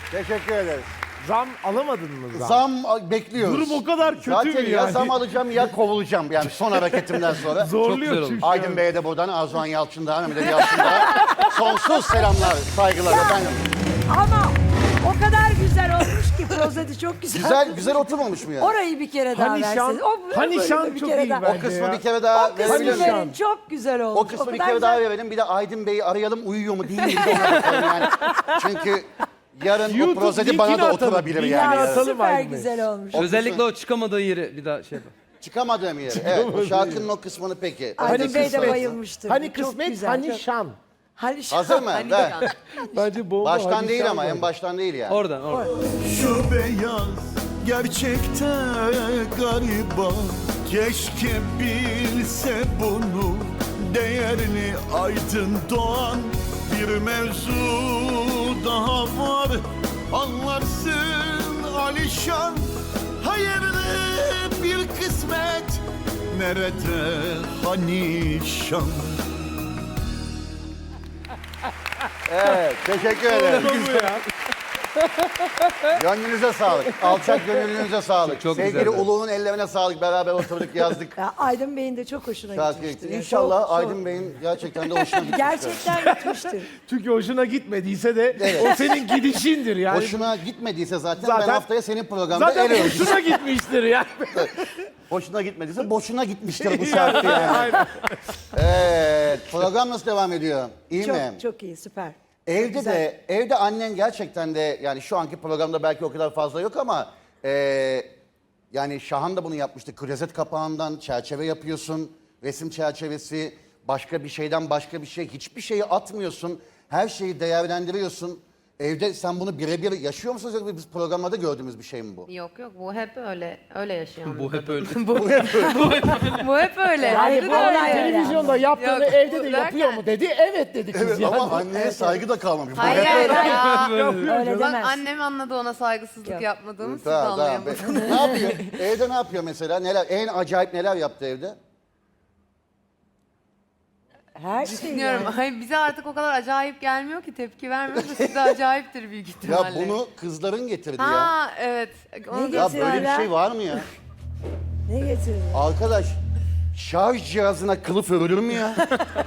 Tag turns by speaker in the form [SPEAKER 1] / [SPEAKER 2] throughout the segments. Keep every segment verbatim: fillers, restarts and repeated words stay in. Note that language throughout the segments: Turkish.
[SPEAKER 1] Teşekkür ederiz.
[SPEAKER 2] Zam alamadın mı zam?
[SPEAKER 1] Zam a- bekliyoruz.
[SPEAKER 2] Durum o kadar kötü
[SPEAKER 1] Zaten
[SPEAKER 2] mü
[SPEAKER 1] ya
[SPEAKER 2] yani?
[SPEAKER 1] zam alacağım ya kovulacağım yani son hareketimden sonra.
[SPEAKER 2] Zorluyor çünkü.
[SPEAKER 1] Aydın
[SPEAKER 2] yani.
[SPEAKER 1] Bey'e de buradan Azuhan Yalçın'da, Mehmet Ali Yalçın'da sonsuz selamlar, saygılar efendim.
[SPEAKER 3] Ama o kadar güzel olmuş ki prozedi çok güzel.
[SPEAKER 1] Güzel, güzel oturmamış mı yani?
[SPEAKER 3] Orayı bir kere daha
[SPEAKER 2] Hani şan,
[SPEAKER 3] verseniz. O,
[SPEAKER 2] hani
[SPEAKER 3] böyle
[SPEAKER 2] şan
[SPEAKER 3] bir
[SPEAKER 2] çok
[SPEAKER 3] kere
[SPEAKER 2] iyi
[SPEAKER 3] daha.
[SPEAKER 2] bence
[SPEAKER 1] O kısmı
[SPEAKER 2] ya.
[SPEAKER 1] bir kere daha
[SPEAKER 3] O kısmı
[SPEAKER 1] verebilir miyim?
[SPEAKER 3] verin. Çok güzel olmuş.
[SPEAKER 1] O kısmı bir
[SPEAKER 3] kadar
[SPEAKER 1] kere daha
[SPEAKER 3] güzel.
[SPEAKER 1] verelim. Bir de Aydın Bey'i arayalım, uyuyor mu değil mi? Bir de ona bakalım yani. Çünkü yarın o
[SPEAKER 2] YouTube
[SPEAKER 1] prozedi bana da
[SPEAKER 2] linkini atalım,
[SPEAKER 1] oturabilir
[SPEAKER 2] linkini
[SPEAKER 1] yani.
[SPEAKER 3] Ya
[SPEAKER 2] atalım
[SPEAKER 3] süper
[SPEAKER 2] Aydın Bey.
[SPEAKER 3] güzel olmuş.
[SPEAKER 4] Özellikle o çıkamadığı yeri bir daha şey yapalım.
[SPEAKER 1] Çıkamadığım yer. Evet, o şarkının o kısmını peki.
[SPEAKER 3] Aydın
[SPEAKER 1] Önce
[SPEAKER 3] Bey de
[SPEAKER 1] kısmet.
[SPEAKER 3] bayılmıştır.
[SPEAKER 2] Hani
[SPEAKER 3] Çok
[SPEAKER 2] kısmet,
[SPEAKER 3] güzel,
[SPEAKER 2] hani
[SPEAKER 3] çok-
[SPEAKER 2] şan.
[SPEAKER 3] Hani şan.
[SPEAKER 1] Hazır mı? Ver.
[SPEAKER 2] Bence bomba.
[SPEAKER 1] Baştan
[SPEAKER 2] hani
[SPEAKER 1] değil
[SPEAKER 2] şan
[SPEAKER 1] ama,
[SPEAKER 2] var.
[SPEAKER 1] en baştan değil yani.
[SPEAKER 4] Oradan oradan.
[SPEAKER 5] Şu beyaz gerçekten gariban. Keşke bilse bunu değerli Aydın Doğan. Bir mevzu daha var, anlarsın Alişan. Hayırlı bir kısmet, nerede hani şan?
[SPEAKER 1] Evet, teşekkür ederim. Gönlünüze sağlık. Alçak gönlünüze sağlık.
[SPEAKER 4] Çok
[SPEAKER 1] Sevgili
[SPEAKER 4] güzeldi.
[SPEAKER 1] Ulu'nun ellerine sağlık. Beraber oturduk, yazdık.
[SPEAKER 3] Ya Aydın Bey'in de çok hoşuna
[SPEAKER 1] Şarkı
[SPEAKER 3] gitmiştir.
[SPEAKER 1] gitti.
[SPEAKER 3] ya.
[SPEAKER 1] İnşallah
[SPEAKER 3] Çok, çok.
[SPEAKER 1] Aydın Bey'in gerçekten de hoşuna gitmiştir.
[SPEAKER 3] Gerçekten gitmiştir.
[SPEAKER 2] Çünkü hoşuna gitmediyse de
[SPEAKER 1] Evet.
[SPEAKER 2] o senin gidişindir yani.
[SPEAKER 1] Hoşuna gitmediyse zaten,
[SPEAKER 2] Zaten-
[SPEAKER 1] ben haftaya senin programda
[SPEAKER 2] Zaten
[SPEAKER 1] el ölçüsü.
[SPEAKER 2] hoşuna gitmiştir yani.
[SPEAKER 1] Hoşuna gitmediyse boşuna gitmiştir bu şarkı yani. Evet, program nasıl devam ediyor? İyi mi?
[SPEAKER 3] Çok çok iyi, süper.
[SPEAKER 1] Evde
[SPEAKER 3] güzel.
[SPEAKER 1] de, evde annen gerçekten de, yani şu anki programda belki o kadar fazla yok ama e, yani Şahan da bunu yapmıştı. Klozet kapağından çerçeve yapıyorsun, resim çerçevesi, başka bir şeyden başka bir şey, hiçbir şeyi atmıyorsun, her şeyi değerlendiriyorsun. Evde sen bunu birebir yaşıyor musunuz yoksa biz programlarda gördüğümüz bir şey mi bu?
[SPEAKER 6] Yok yok bu hep öyle öyle yaşayan.
[SPEAKER 4] Bu hep öyle.
[SPEAKER 6] bu hep öyle.
[SPEAKER 3] Yani
[SPEAKER 6] Ayrı
[SPEAKER 3] bu
[SPEAKER 6] da
[SPEAKER 3] olay
[SPEAKER 6] öyle.
[SPEAKER 3] öyle.
[SPEAKER 2] Televizyonda yaptığını
[SPEAKER 6] Yok,
[SPEAKER 2] evde
[SPEAKER 6] bu
[SPEAKER 2] de
[SPEAKER 6] derken-
[SPEAKER 2] yapıyor mu dedi. Evet dedi kız
[SPEAKER 1] Evet
[SPEAKER 2] yani.
[SPEAKER 1] ama anneye saygı da kalmamış. Bu
[SPEAKER 6] Hayır
[SPEAKER 1] hep
[SPEAKER 6] hayır
[SPEAKER 1] öyle.
[SPEAKER 6] ya.
[SPEAKER 3] Öyle
[SPEAKER 6] Bak
[SPEAKER 3] demez.
[SPEAKER 6] annem anladı ona saygısızlık
[SPEAKER 3] Yok.
[SPEAKER 6] yapmadığımı siz
[SPEAKER 1] Tamam, tamam.
[SPEAKER 6] anlayamadınız.
[SPEAKER 1] Ne yapıyor? Evde ne yapıyor mesela? Neler? En acayip neler yaptı evde?
[SPEAKER 3] Her şey
[SPEAKER 6] Düşünüyorum.
[SPEAKER 3] yani.
[SPEAKER 6] Ay bize artık o kadar acayip gelmiyor ki tepki vermiyoruz da size acayiptir büyük
[SPEAKER 1] Ya
[SPEAKER 6] ihtimalle.
[SPEAKER 1] bunu kızların getirdi ya.
[SPEAKER 6] Ha evet. Onu
[SPEAKER 3] Ne
[SPEAKER 1] Ya
[SPEAKER 6] göster-
[SPEAKER 1] böyle bir şey var mı ya?
[SPEAKER 3] Ne getirdin?
[SPEAKER 1] Arkadaş, şarj cihazına kılıf örülür mü ya?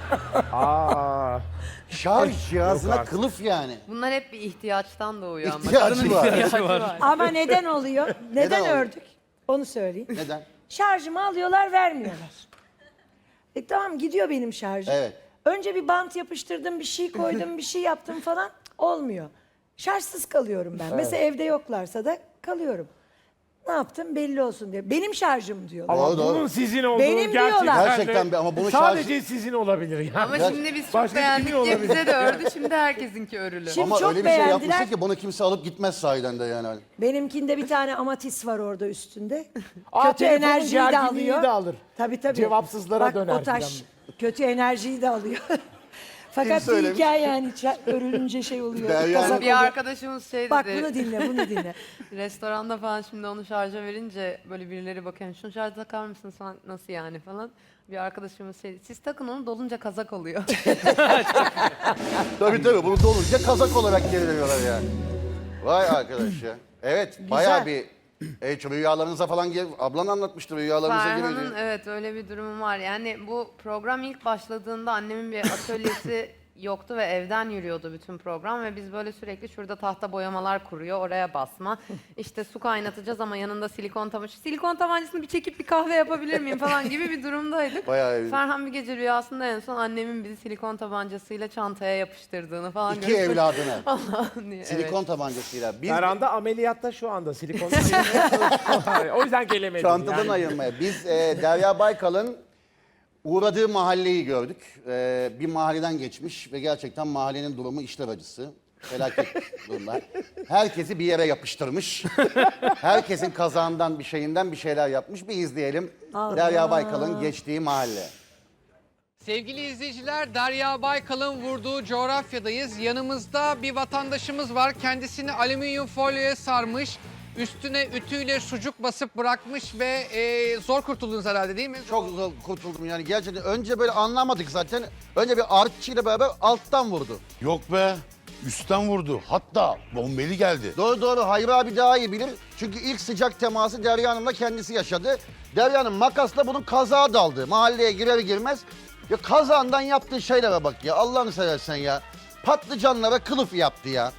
[SPEAKER 2] Aa.
[SPEAKER 1] Şarj cihazına
[SPEAKER 2] Yok artık.
[SPEAKER 1] kılıf yani.
[SPEAKER 6] Bunlar hep bir ihtiyaçtan doğuyor ama.
[SPEAKER 1] İhtiyacı
[SPEAKER 6] Kadının
[SPEAKER 1] var.
[SPEAKER 6] ihtiyacı var.
[SPEAKER 3] Ama neden oluyor? Neden,
[SPEAKER 1] Neden oluyor?
[SPEAKER 3] ördük? Onu söyleyeyim.
[SPEAKER 1] Neden?
[SPEAKER 3] Şarjımı alıyorlar, vermiyorlar. E tamam, gidiyor benim şarjım.
[SPEAKER 1] Evet.
[SPEAKER 3] Önce bir bant yapıştırdım, bir şey koydum, bir şey yaptım falan. Cık, olmuyor. Şarjsız kalıyorum ben. Mesela evde yoklarsa da kalıyorum. Ne yaptım belli olsun diye. Benim şarjım diyorlar.
[SPEAKER 2] Ama
[SPEAKER 1] Doğru, doğru.
[SPEAKER 2] bunun sizin olduğu
[SPEAKER 3] Benim
[SPEAKER 2] gerçekten,
[SPEAKER 3] diyorlar.
[SPEAKER 1] Gerçekten bir- ama bunu
[SPEAKER 2] sadece sizin olabilir yani.
[SPEAKER 6] Ama
[SPEAKER 1] Ya-
[SPEAKER 6] şimdi biz çok
[SPEAKER 2] Başka
[SPEAKER 6] beğendik
[SPEAKER 2] kimin
[SPEAKER 6] diye
[SPEAKER 2] olabilir?
[SPEAKER 6] bize de ördü. Şimdi herkesinki örülü.
[SPEAKER 3] Şimdi
[SPEAKER 1] Ama
[SPEAKER 3] çok
[SPEAKER 1] öyle bir şey
[SPEAKER 3] beğendiler.
[SPEAKER 1] yapmışsın ki bunu kimse alıp gitmez sahiden de yani.
[SPEAKER 3] Benimkinde bir tane amatis var orada üstünde.
[SPEAKER 2] Aa,
[SPEAKER 3] Kötü
[SPEAKER 2] telefonun
[SPEAKER 3] enerjiyi de
[SPEAKER 2] gerginliği
[SPEAKER 3] alıyor.
[SPEAKER 2] de alır.
[SPEAKER 3] Tabii tabii.
[SPEAKER 2] Cevapsızlara
[SPEAKER 3] Bak,
[SPEAKER 2] döner
[SPEAKER 3] o taş
[SPEAKER 2] filan.
[SPEAKER 3] kötü enerjiyi de alıyor. Fakat bir
[SPEAKER 1] söylemiş?
[SPEAKER 3] hikaye yani ça- örülünce şey oluyor.
[SPEAKER 1] Derya-
[SPEAKER 3] kazak
[SPEAKER 6] Bir
[SPEAKER 3] oluyor.
[SPEAKER 6] arkadaşımız şey dedi.
[SPEAKER 3] Bak bunu dinle, bunu dinle.
[SPEAKER 6] Restoranda falan şimdi onu şarja verince böyle birileri bakıyor. Şunu şarja takar mısın falan nasıl yani falan. Bir arkadaşımız şey siz takın onu dolunca kazak oluyor.
[SPEAKER 1] Tabii tabii bunu dolunca kazak olarak geri veriyorlar yani. Vay arkadaş ya. Evet bayağı bir e, rüyalarınıza falan gel. Ablan anlatmıştı rüyalarınıza
[SPEAKER 6] Ferhan'ın
[SPEAKER 1] giriyor.
[SPEAKER 6] evet öyle bir durumu var. Yani bu program ilk başladığında annemin bir atölyesi yoktu ve evden yürüyordu bütün program ve biz böyle sürekli şurada tahta boyamalar kuruyor, oraya basma. İşte su kaynatacağız ama yanında silikon tabancası. Silikon tabancasını bir çekip bir kahve yapabilir miyim falan gibi bir durumdaydık.
[SPEAKER 1] Bayağı iyi.
[SPEAKER 6] Ferhan bir gece rüyasında en son annemin bizi silikon tabancasıyla çantaya yapıştırdığını falan
[SPEAKER 1] İki
[SPEAKER 6] görüp-
[SPEAKER 1] evladına.
[SPEAKER 6] Allah'ım diye.
[SPEAKER 1] Silikon
[SPEAKER 6] Evet.
[SPEAKER 1] tabancasıyla. Biz
[SPEAKER 2] Ferhan'da ameliyatta şu anda silikon. O yüzden gelemedim.
[SPEAKER 1] çantadan
[SPEAKER 2] yani.
[SPEAKER 1] ayırmaya. Biz e, Derya Baykal'ın uğradığı mahalleyi gördük. E, bir mahalleden geçmiş ve gerçekten mahallenin durumu işler acısı. Felaket durumlar. Herkesi bir yere yapıştırmış. Herkesin kazağından bir şeyinden bir şeyler yapmış. Bir izleyelim. Derya Baykal'ın geçtiği mahalle.
[SPEAKER 7] Sevgili izleyiciler, Derya Baykal'ın vurduğu coğrafyadayız. Yanımızda bir vatandaşımız var. Kendisini alüminyum folyoya sarmış. Üstüne ütüyle sucuk basıp bırakmış ve e, zor kurtuldunuz herhalde değil mi?
[SPEAKER 1] Çok zor kurtuldum yani gerçekten. Önce böyle anlamadık zaten. Önce bir artçıyla beraber alttan vurdu.
[SPEAKER 5] Yok be.
[SPEAKER 8] Üstten vurdu. Hatta bombeli geldi.
[SPEAKER 1] Doğru doğru Hayri abi daha iyi bilir. Çünkü ilk sıcak teması Derya Hanım'la kendisi yaşadı. Derya Hanım makasla bunun kazağa daldı. Mahalleye girer girmez. Ya kazağından yaptığı şeylere bak ya. Allah'ını seversen ya. Patlıcanlara kılıf yaptı ya.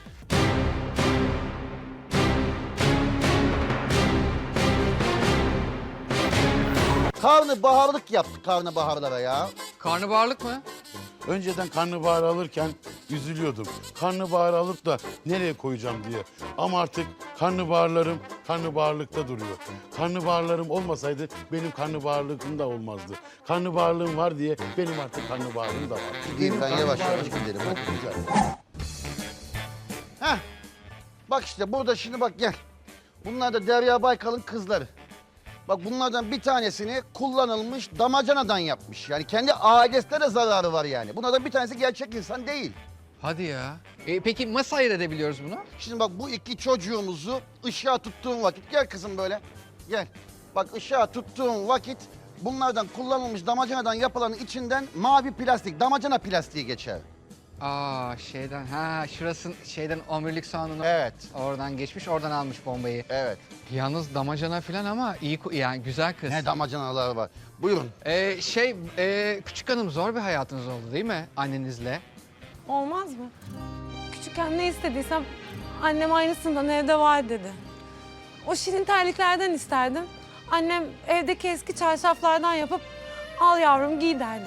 [SPEAKER 1] Karnabaharlık yaptı karnabaharlara ya.
[SPEAKER 7] Karnabaharlık mı?
[SPEAKER 8] Önceden karnabahar alırken üzülüyordum. Karnabahar alıp da nereye koyacağım diye. Ama artık karnabaharlarım karnabaharlıkta duruyor. Karnabaharlarım olmasaydı benim karnabaharlığım da olmazdı. Karnabaharlığım var diye benim artık karnabaharlığım da var.
[SPEAKER 1] Gideyim ben
[SPEAKER 8] Benim
[SPEAKER 1] yavaş yavaş
[SPEAKER 8] karnabaharlığım
[SPEAKER 1] gidelim.
[SPEAKER 8] çok
[SPEAKER 1] Hadi.
[SPEAKER 8] güzel.
[SPEAKER 1] Heh. Bak işte burada şimdi bak gel. Bunlar da Derya Baykal'ın kızları. Bak bunlardan bir tanesini kullanılmış damacanadan yapmış. Yani kendi ailesine de zararı var yani. Bunlardan bir tanesi gerçek insan değil.
[SPEAKER 7] Hadi ya. E, peki nasıl ayırt edebiliyoruz bunu?
[SPEAKER 1] Şimdi bak bu iki çocuğumuzu ışığa tuttuğun vakit, gel kızım böyle, gel. Bak ışığa tuttuğun vakit bunlardan kullanılmış damacanadan yapılanın içinden mavi plastik, damacana plastiği geçer.
[SPEAKER 7] Aa şeyden ha şurasın şeyden omurilik soğanını
[SPEAKER 1] Evet.
[SPEAKER 7] oradan geçmiş oradan almış bombayı.
[SPEAKER 1] Evet.
[SPEAKER 7] Yalnız damacana falan ama iyi ku- yani güzel kız.
[SPEAKER 1] Ne damacanalar var. Buyurun.
[SPEAKER 7] Ee, şey e, küçük hanım zor bir hayatınız oldu değil mi annenizle?
[SPEAKER 9] Olmaz mı? Küçükken ne istediysem annem aynısından evde var dedi. O şirin terliklerden isterdim. Annem evdeki eski çarşaflardan yapıp al yavrum giy derdi.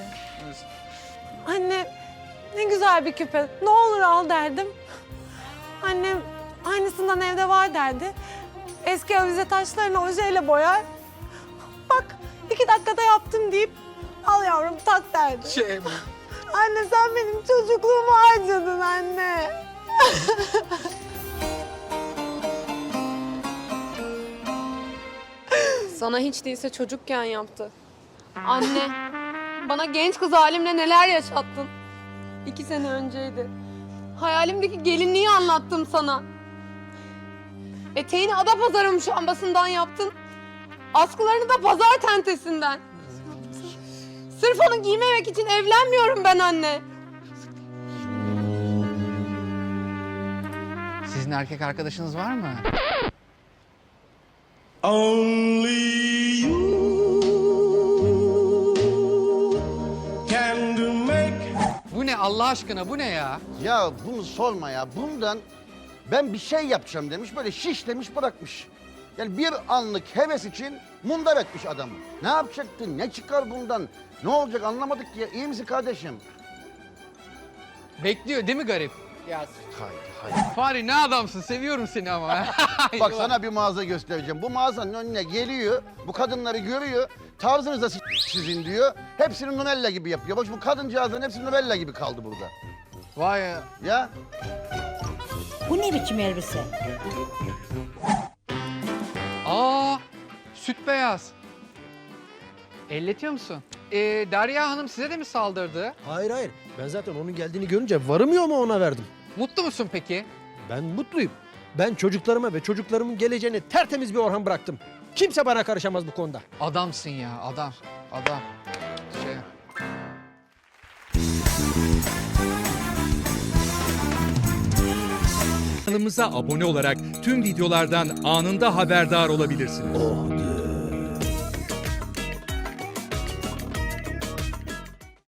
[SPEAKER 9] Anne ne güzel bir küpe ne olur al derdim. Annem aynısından evde var derdi. Eski avize taşlarını ojeyle boyar. Bak iki dakikada yaptım deyip al yavrum tak derdi.
[SPEAKER 7] Şey
[SPEAKER 9] Anne sen benim çocukluğumu harcadın anne.
[SPEAKER 10] Sana hiç değilse çocukken yaptı. Anne, bana genç kız halimle neler yaşattın. İki sene önceydi. Hayalimdeki gelinliği anlattım sana. Eteğini Adapazarı muşambasından yaptın. Askılarını da pazar tentesinden. Sırf onu giymemek için evlenmiyorum ben anne.
[SPEAKER 7] sizin erkek arkadaşınız var mı?
[SPEAKER 5] Only you can make.
[SPEAKER 7] Bu ne Allah aşkına bu ne ya?
[SPEAKER 1] Ya bunu sorma ya. Bundan ben bir şey yapacağım demiş. Böyle şişlemiş bırakmış. Yani bir anlık heves için mundar etmiş adamı. Ne yapacaktın? Ne çıkar bundan? Ne olacak anlamadık ki ya. İyi misin kardeşim?
[SPEAKER 7] Bekliyor değil mi garip? Ya
[SPEAKER 1] Hayır, hayır.
[SPEAKER 7] Fahri ne adamsın seviyorum seni ama.
[SPEAKER 1] Bak sana bir mağaza göstereceğim. Bu mağazanın önüne geliyor. Bu kadınları görüyor. Tarzınız da s- sizin diyor. Hepsini Nunella gibi yapıyor. Bak bu kadıncağızların hepsi Nunella gibi kaldı burada.
[SPEAKER 7] Vay ya.
[SPEAKER 1] Ya
[SPEAKER 3] Bu ne biçim elbise?
[SPEAKER 7] Aa süt beyaz. Elletiyor musun? Ee, Derya Hanım size de mi saldırdı?
[SPEAKER 2] Hayır hayır. Ben zaten onun geldiğini görünce varım yoğumu ona verdim.
[SPEAKER 7] Mutlu musun peki?
[SPEAKER 2] Ben mutluyum. Ben çocuklarıma ve çocuklarımın geleceğine tertemiz bir Orhan bıraktım. Kimse bana karışamaz bu konuda.
[SPEAKER 7] Adamsın ya adam. Adam. Şey.
[SPEAKER 11] Kanalımıza abone olarak tüm videolardan anında haberdar olabilirsiniz.